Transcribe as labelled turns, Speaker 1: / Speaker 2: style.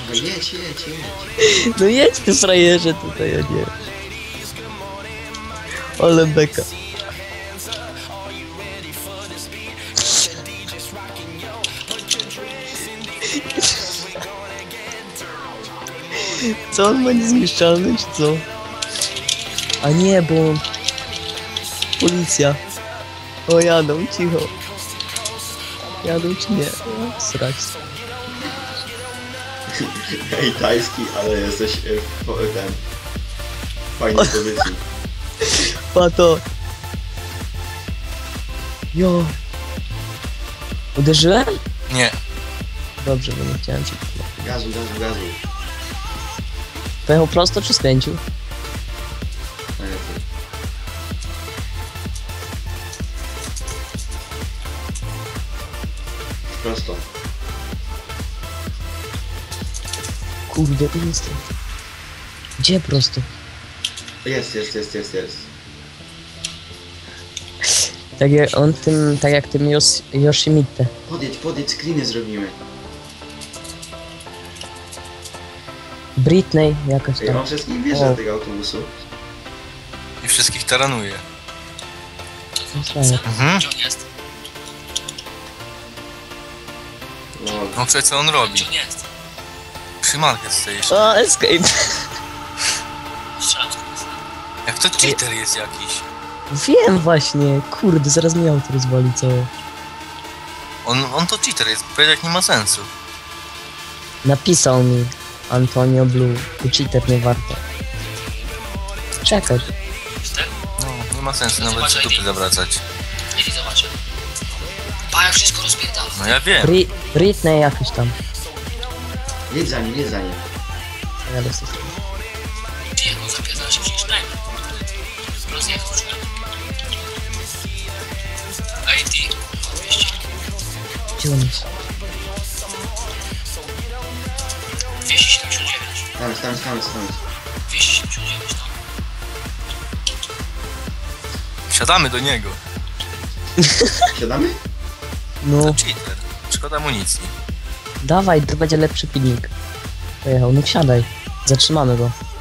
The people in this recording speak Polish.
Speaker 1: No jedź.
Speaker 2: No jedź ty frajerze tutaj, a nie. Ale beka. Co on ma niezniszczalny, czy co? A nie, bo... Policja. O, jadą, cicho. Jadą czy nie? O, srać.
Speaker 1: Ej, tajski, ale jesteś ten... Fajnie pozycji.
Speaker 2: Pato. Jo. Uderzyłem?
Speaker 3: Nie.
Speaker 2: Dobrze, bo nie chciałem cię.
Speaker 1: Gazu.
Speaker 2: Pojechał prosto czy skręcił?
Speaker 1: Najlepiej. Prosto.
Speaker 2: Kurde, tu jestem. Gdzie prosto?
Speaker 1: Jest.
Speaker 2: Tak jak on tym, tak jak tym Yoshimite.
Speaker 1: Podjedź, screeny zrobimy.
Speaker 2: Britney jakaś
Speaker 1: Ej,
Speaker 2: tam.
Speaker 1: on wszystkich wjeżdża do tego autobusu.
Speaker 3: I wszystkich taranuje.
Speaker 2: Mhm.
Speaker 4: Gdzie on jest?
Speaker 1: Lol.
Speaker 3: No przecież co on robi?
Speaker 4: Gdzie on jest?
Speaker 3: Przy Market Station.
Speaker 2: O, escape.
Speaker 4: Strzelam z kogoś.
Speaker 3: Jak to cheater jest jakiś.
Speaker 2: Wiem właśnie, kurde, zaraz mi auto rozwali całe.
Speaker 3: On to cheater jest, powiedzieć nie ma sensu.
Speaker 2: Napisał mi Antonio Blue, tu cheater nie warto. Czekaj.
Speaker 3: No, nie ma sensu nawet się dupy zawracać.
Speaker 4: Mieli zobaczę. Pa, jak wszystko rozpierdala.
Speaker 3: No ja wiem.
Speaker 2: Britney jakiś tam.
Speaker 1: Jedź za nim.
Speaker 2: Ja dostać.
Speaker 4: Gdzie jak on zapierdala się przecież najmniej. Rozjechał już. Ej, ty. 200.
Speaker 2: Gdzie on jest?
Speaker 4: 279.
Speaker 1: Tam.
Speaker 4: 279, no.
Speaker 3: Wsiadamy do niego.
Speaker 1: Siadamy?
Speaker 2: No,
Speaker 3: To cheater. Szkoda amunicji.
Speaker 2: dawaj, to będzie lepszy pilnik. Pojechał, no wsiadaj. Zatrzymamy go.